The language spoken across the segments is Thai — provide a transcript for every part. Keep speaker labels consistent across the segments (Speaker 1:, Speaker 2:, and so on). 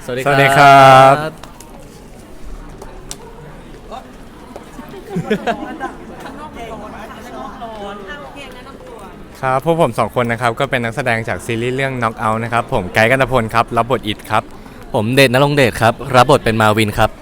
Speaker 1: สวัสดี
Speaker 2: ครับครับพวกผม2คนนะครับก็เป็นนักแสดงจากซีรีส์เรื่อง Knock Out นะครับผมไกด์กันตพลครับรับบทอิทครับ
Speaker 1: ผมเดช ณรงค์เดชครับรับบทเป็นมาวินครับ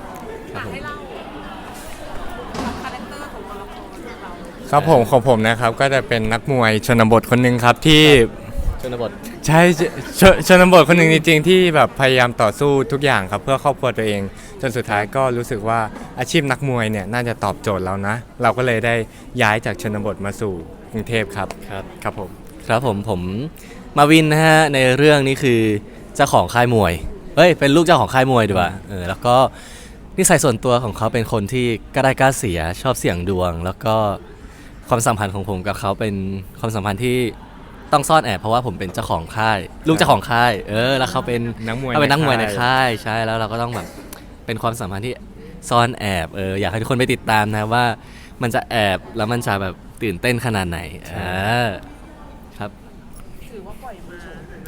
Speaker 2: ครับผมของผมนะครับก็จะเป็นนักมวยชนบทคนหนึ่งครับที่
Speaker 1: ชนบท
Speaker 2: ใช่ชนบทคนหนึ่งจริงๆที่แบบพยายามต่อสู้ทุกอย่างครับเพื่อครอบครัวตัวเองจนสุดท้ายก็รู้สึกว่าอาชีพนักมวยเนี่ยน่าจะตอบโจทย์เรานะเราก็เลยได้ย้ายจากชนบทมาสู่กรุงเทพครับครับ
Speaker 1: ผมมาวินนะฮะในเรื่องนี้คือเจ้าของค่ายมวยเป็นลูกเจ้าของค่ายมวยดีกว่าแล้วก็นิสัยส่วนตัวของเขาเป็นคนที่กล้าได้กล้าเสียชอบเสี่ยงดวงแล้วก็ความสัมพันธ์ของผมกับเขาเป็นความสัมพันธ์ที่ต้องซ่อนแอบเพราะว่าผมเป็นเจ้าของค่ายลูกเจ้าของค่ายแล้วเขาเป็น
Speaker 2: นักมวย
Speaker 1: ในค่ายใช่แล้วเราก็ต้องแบบเป็นความสัมพันธ์ที่ซ่อนแอบอยากให้ทุกคนไปติดตามนะว่ามันจะแอบแล้วมันจะแบบตื่นเต้นขนาดไหนครับ
Speaker 3: ถือว่าปล่อยมา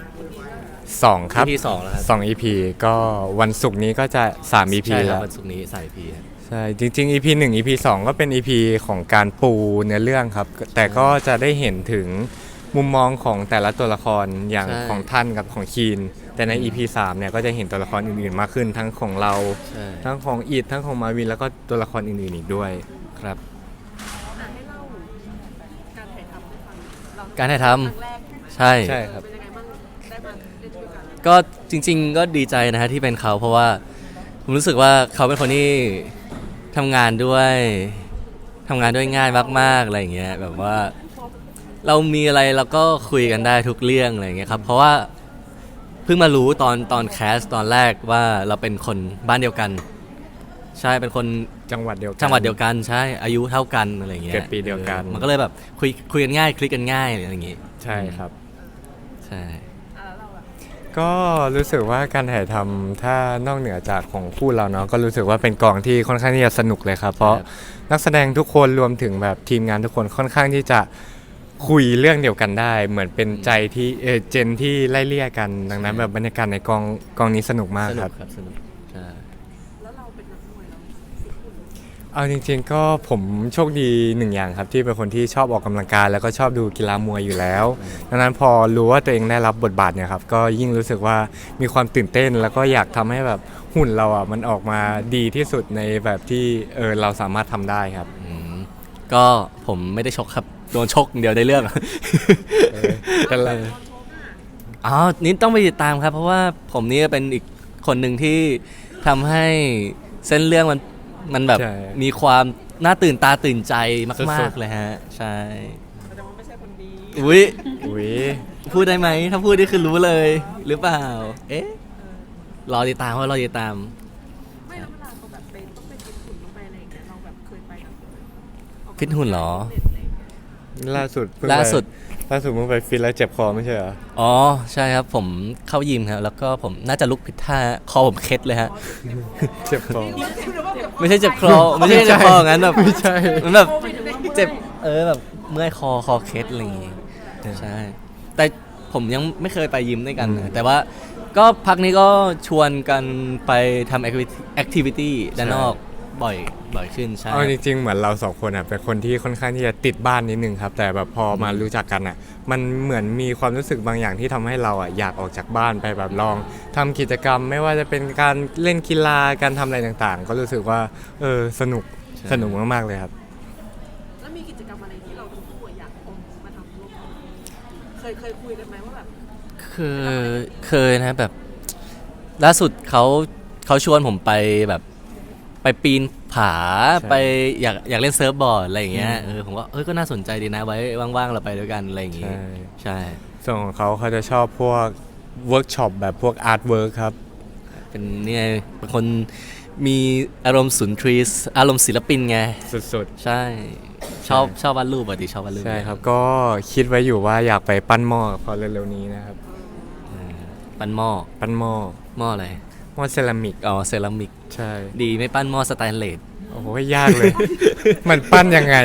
Speaker 2: 2ครับ
Speaker 1: EP 2แล้วครับ
Speaker 2: 2 EP ก็วันศุกร์นี้ก็จะ3 EP แล้ว
Speaker 1: วันศุกร์นี้3 EP
Speaker 2: ใช่จริงๆ EP 1 EP 2ก็เป็น EP ของการปูเนื้อเรื่องครับแต่ก็จะได้เห็นถึงมุมมองของแต่ละตัวละครอย่างของท่านกับของคีนแต่ใน EP 3เนี่ยก็จะเห็นตัวละครอื่นๆมากขึ้นทั้งของเราทั้งของอีททั้งของมาวินแล้วก็ตัวละครอื่นๆอีกด้วยครับ
Speaker 3: ให้เล่าการถ่ายทำให้ฟัง
Speaker 1: การถ่ายทำใช่ครับ
Speaker 3: เป็นยังไงบ้างได้มาเล่นด้วยกัน
Speaker 1: ก็จริงๆก็ดีใจนะฮะที่เป็นเขาเพราะว่าผมรู้สึกว่าเขาเป็นคนที่ทำงานด้วยง่ายมากๆอะไรอย่างเงี้ยแบบว่าเรามีอะไรเราก็คุยกันได้ทุกเรื่องอะไรอย่างเงี้ยครับเพราะว่าเพิ่งมารู้ตอนแคสตอนแรกว่าเราเป็นคนบ้านเดียวกันใช่เป็นคน
Speaker 2: จังหวัดเดียว
Speaker 1: กันใช่อายุเท่ากันอะไรอย่างเงี้ย
Speaker 2: เกิดปีเดียวกัน
Speaker 1: มันก็เลยแบบคุยกันง่ายคลิกกันง่ายอะไรอย่างเงี้ย
Speaker 2: ใช่ครับ
Speaker 1: ใช่
Speaker 2: ก็รู้สึกว่าการถ่ายทำถ้านอกเหนือจากของคู่เราเนาะก็รู้สึกว่าเป็นกองที่ค่อนข้างที่จะสนุกเลยครับเพราะนักแสดงทุกคนรวมถึงแบบทีมงานทุกคนค่อนข้างที่จะคุยเรื่องเดียวกันได้เหมือนเป็นใจที่เจนที่ไล่เลี่ยกันดังนั้นแบบบรรยากาศในกองนี้สนุกมากครับ
Speaker 1: สนุกใช่
Speaker 3: แล้วเราเป็นนักมวยเรา
Speaker 2: เอาจริงๆก็ผมโชคดีหนึ่งอย่างครับที่เป็นคนที่ชอบออกกำลังกายแล้วก็ชอบดูกีฬามวยอยู่แล้วดังนั้นพอรู้ว่าตัวเองได้รับบทบาทเนี่ยครับก็ยิ่งรู้สึกว่ามีความตื่นเต้นแล้วก็อยากทำให้แบบหุ่นเราอ่ะมันออกมาดีที่สุดในแบบที่เราสามารถทำได้ครับ
Speaker 1: ก็ผมไม่ได้ชกครับโดนชกเดียวได้เรื่อง
Speaker 2: กันเลย
Speaker 1: นี่ต้องไปติดตามครับเพราะว่าผมนี่เป็นอีกคนหนึ่งที่ทำให้เส้นเรื่องมันแบบมีความน่าตื่นตาตื่นใจมากๆเลยฮะใช่
Speaker 3: แต่ว่าไม่ใช่คนดี
Speaker 2: อุ้ย
Speaker 1: พูดได้ไหมถ้าพูดนี่คือรู้เลยหรือเปล่ารอติดตามไม่แล้วเวลา
Speaker 3: เขาแบบเป็นต้องไปฟิตหุ่นต้องไปอะไรอย่างเงี้ยเราแบบเคยไปกัน
Speaker 1: ฟิตหุ่นเหรอ
Speaker 2: ล่าสุดเพิ่งไปฟิตแล้วเจ็บคอไม่ใช่เหรอ
Speaker 1: ใช่ครับผมเข้ายิมครับแล้วก็ผมน่าจะลุกผิดท่าคอผมเคล็ดเลยฮะ
Speaker 2: เจ็บคอ
Speaker 1: ไม่ใช่เจ็บคอไม่ใช่เจ็บคองั้นแบบ
Speaker 2: ไม่ใช่
Speaker 1: มันแบบเจ็บแบบเมื่อยคอเคล็ดอะไรอย่างงี้ใช่แต่ผมยังไม่เคยไปยิมด้วยกันแต่ว่าก็พักนี้ก็ชวนกันไปทำแอคทิวิตี้ด้านนอกบ่อยขึ้นใช่
Speaker 2: จริงๆเหมือนเรา2คนอ่ะเป็นคนที่ค่อนข้างที่จะติดบ้านนิดนึงครับแต่แบบพอมารู้จักกันอ่ะมันเหมือนมีความรู้สึกบางอย่างที่ทำให้เราอ่ะอยากออกจากบ้านไปแบบลองทำกิจกรรมไม่ว่าจะเป็นการเล่นกีฬาการทำอะไรต่างๆก็รู้สึกว่าสนุกมากๆเลยครับ
Speaker 3: แล้วมีกิจกรรมอะไรที่เราทั้งคู่อยากมาทำร่วมกันเคยคุยกันไหมว่าแบบ
Speaker 1: เคยนะแบบล่าสุดเขาชวนผมไปแบบไปปีนผาไปอยากเล่นเซิร์ฟบอร์ดอะไรอย่างเงี้ยผมว่าก็น่าสนใจดีนะไว้ว่างๆเราไปด้วยกันอะไรอย่างเงี้ยใช่
Speaker 2: ส่วนของเขาจะชอบพวกเวิร์กช็อปแบบพวกอาร์ตเวิร์คครับ
Speaker 1: เป็นเนี่ยเป็นคนมีอารมณ์สุนทรีย์อารมณ์ศิลปินไง
Speaker 2: สุด
Speaker 1: ๆใช่ชอบวาดรูปชอบวาดรูป
Speaker 2: ใช่ครับก็คิดไว้อยู่ว่าอยากไปปั้นหม้อพอเร็วๆนี้นะครับ
Speaker 1: ปั้นหม้ออะไร
Speaker 2: หม้อเซรามิก
Speaker 1: เซรามิก
Speaker 2: ใช่
Speaker 1: ดีไม่ปั้นหม้อสแตนเลส
Speaker 2: โอ้โหยากเลย มันปั้นยังไง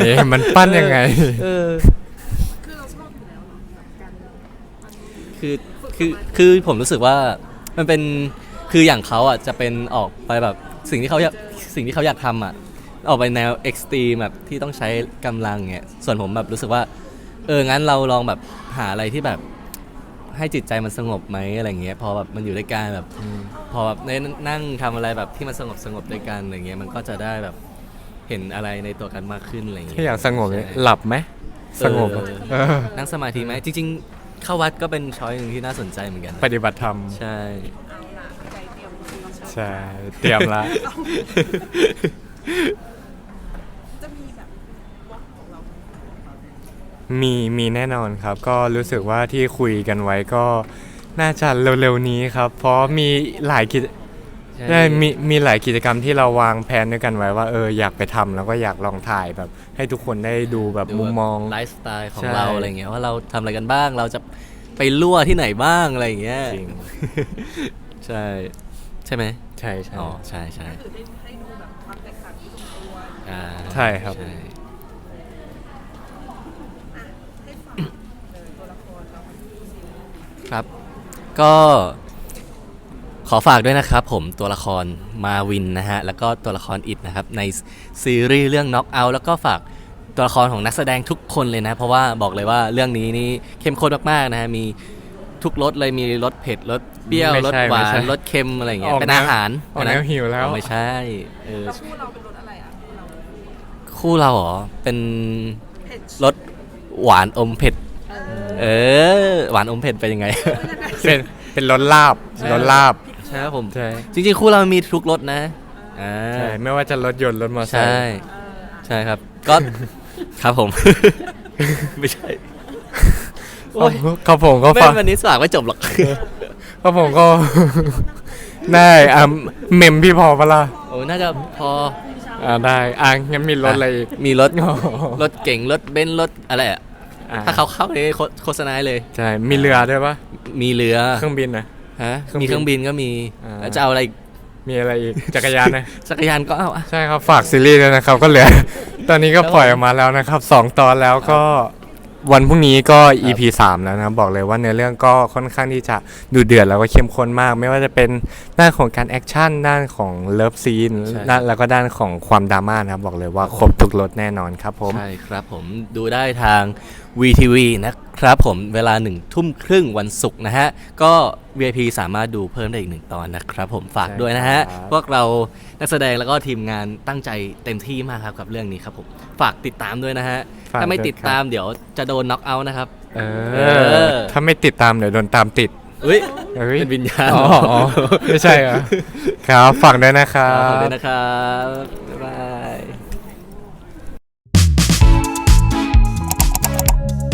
Speaker 3: คือเราชอบอยู่แล้วเนาะการ
Speaker 1: คือผมรู้สึกว่ามันเป็นคืออย่างเขาอ่ะจะเป็นออกไปแบบสิ่งที่เขาอยากทำอ่ะออกไปแนวเอ็กซ์ตรีมแบบที่ต้องใช้กำลังเงี้ยส่วนผมแบบรู้สึกว่างั้นเราลองแบบหาอะไรที่แบบให้จิตใจมันสงบไหมอะไรเงี้ยพอแบบมันอยู่ด้วยกันแบบพอแบบได้นั่งทำอะไรแบบที่มันสงบด้วยกันอะไรเงี้ยมันก็จะได้แบบเห็นอะไรในตัวกันมากขึ้นอะไรเงี้ย
Speaker 2: ถ้าอยากสงบเนี่ยหลับไหมสงบอะเออ
Speaker 1: นั่งสมาธิไหมจริงๆเข้าวัดก็เป็นช้อยหนึ่งที่น่าสนใจเหมือนกัน
Speaker 2: ปฏิบัติธรรม
Speaker 1: ใช่
Speaker 3: เอาล่ะใจเตรียมจริงๆ
Speaker 2: ใช่เตรียมละ
Speaker 3: จะมีแบบวอล์กของเรา
Speaker 2: มีแน่นอนครับ ก็รู้สึกว่าที่คุยกันไว้ก็น่าจะเร็วๆนี้ครับ เพราะมีหลายกิจ
Speaker 1: ใช่
Speaker 2: ได้มีหลายกิจกรรมที่เราวางแผนด้วยกันไว้ว่าอยากไปทำแล้วก็อยากลองถ่ายแบบ ให้ทุกคนได้ดูแบบมุมมอง
Speaker 1: ไลฟ์สไตล์ของ
Speaker 2: ใช่
Speaker 1: เราอะไรเงี้ยว่าเราทำอะไรกันบ้างเราจะไปลั่วที่ไหนบ้างอะไรอย่างเงี้ย
Speaker 2: จริง
Speaker 1: ใช่ใช่ไหม
Speaker 2: ใช่ใช่
Speaker 1: อ๋อใช่ใช่
Speaker 3: คือให้ดูแบบความแตกต่างที่ลงตัว
Speaker 1: อ่า
Speaker 2: ใช่ครับ
Speaker 1: ใช่
Speaker 3: ให้ฝากเลยตัวละครเราทั้งคู่สิ
Speaker 1: ครับก็ขอฝากด้วยนะครับผมตัวละครมาวินนะฮะแล้วก็ตัวละครอิดนะครับในซีรีส์เรื่อง Knock Out แล้วก็ฝากตัวละครของนักแสดงทุกคนเลยนะเพราะว่าบอกเลยว่าเรื่องนี้นี่เข้มข้นมากๆนะฮะมีทุกรสเลยมีรสเผ็ดรสเปรี้ยว
Speaker 2: ไม่
Speaker 1: รส
Speaker 2: ใช่
Speaker 1: หวา
Speaker 2: ไม่ใช่
Speaker 1: นรสเค็มอะไรอย่างเงี้ย
Speaker 2: ออก
Speaker 1: เป็น
Speaker 2: แนว
Speaker 1: อาหาร
Speaker 2: ออกแนว
Speaker 1: นะ
Speaker 2: หิวแล้ว
Speaker 1: ไม่ใช่เออ
Speaker 3: แล้วคู่เราเป็นรสอะไรอ่ะคู่เรา
Speaker 1: คู่เราเหรอเป็น
Speaker 3: เผ็ด
Speaker 1: รสหวานอมเผ็ด
Speaker 3: เออ
Speaker 1: หวานอมเผ็ดเป็นยังไง
Speaker 2: เป็นรถลาบรถลาบ
Speaker 1: ใช่ครับผม
Speaker 2: ใช่
Speaker 1: จริงๆคู่เรามีทุกรสนะอ่า
Speaker 2: ใช่ไม่ว่าจะรถยนต์รถมอเตอร์ไซ
Speaker 1: ใช่
Speaker 2: ค์
Speaker 1: ใช่ครับ ก็ ครับผม ไม่ใช่โอ้ย
Speaker 2: ครับผมก็
Speaker 1: ไม่
Speaker 2: ฟัง
Speaker 1: วันนี้สว่างไม่จบหรอก
Speaker 2: ครับผมก็ ได้เมมพี่พอปะล่ะ
Speaker 1: โอ้น่าจะพอ
Speaker 2: ได้งั้นมีรถอะไรอีก
Speaker 1: มีรถ
Speaker 2: อ๋อ
Speaker 1: รถเก่งรถเบนซ์รถอะไรอ่ะ
Speaker 2: อ่า
Speaker 1: ถ้าเขาเข้าในโฆษณาเลย
Speaker 2: ใช่มีเรือด้วยปะ
Speaker 1: มีเรือ
Speaker 2: เครื่องบินนะ
Speaker 1: ฮะ
Speaker 2: เครื่องบิน
Speaker 1: มีเครื่องบินก็มี
Speaker 2: อ่า
Speaker 1: แล้วจะเอาอะไรอีก
Speaker 2: มีอะไรอีกจักรยานนะ
Speaker 1: จักรยานก็เอาอะ
Speaker 2: ใช่ครับฝากซีรีส์ด้วยนะครับก็เหลือ ตอนนี้ก็ปล่อยออกมาแล้วนะครับ2 ตอนแล้วก็วันพรุ่งนี้ก็ EP 3 แล้วนะครับบอกเลยว่าเนื้อเรื่องก็ค่อนข้างที่จะดูเดือดแล้วก็เข้มข้นมาก ไม่ว่าจะเป็นด้านของการแอคชั่นด้านของเลิฟซีนแล้วก็ด้านของความดราม่านะครับบอกเลยว่าครบทุกรสแน่นอนครับผม
Speaker 1: ใช่ครับผมดูได้ทาง VTV นะครับผมเวลา19:30วันศุกร์นะฮะก็ VIP สามารถดูเพิ่มได้อีก1 ตอนนะครับผมฝากด้วยนะฮะ
Speaker 2: ใช่ครับ
Speaker 1: พวกเรานักแสดงแล้วก็ทีมงานตั้งใจเต็มที่มากครับกับเรื่องนี้ครับผมฝากติดตามด้วยนะฮะ
Speaker 2: ฝาก
Speaker 1: ถ้าไม่
Speaker 2: ด้วย
Speaker 1: ติดตามเดี๋ยวจะโดนน็อกเอาท์นะครับ
Speaker 2: เอ
Speaker 1: อ
Speaker 2: ถ้าไม่ติดตามเดี๋ยวโดนตามติด
Speaker 1: อุ้ย
Speaker 2: เฮ้ย
Speaker 1: เป็นวิญญาณ
Speaker 2: อ๋อไม่ใช่เหรอครับฝากด้วยนะครั
Speaker 1: ขอบบ คุณนะครับ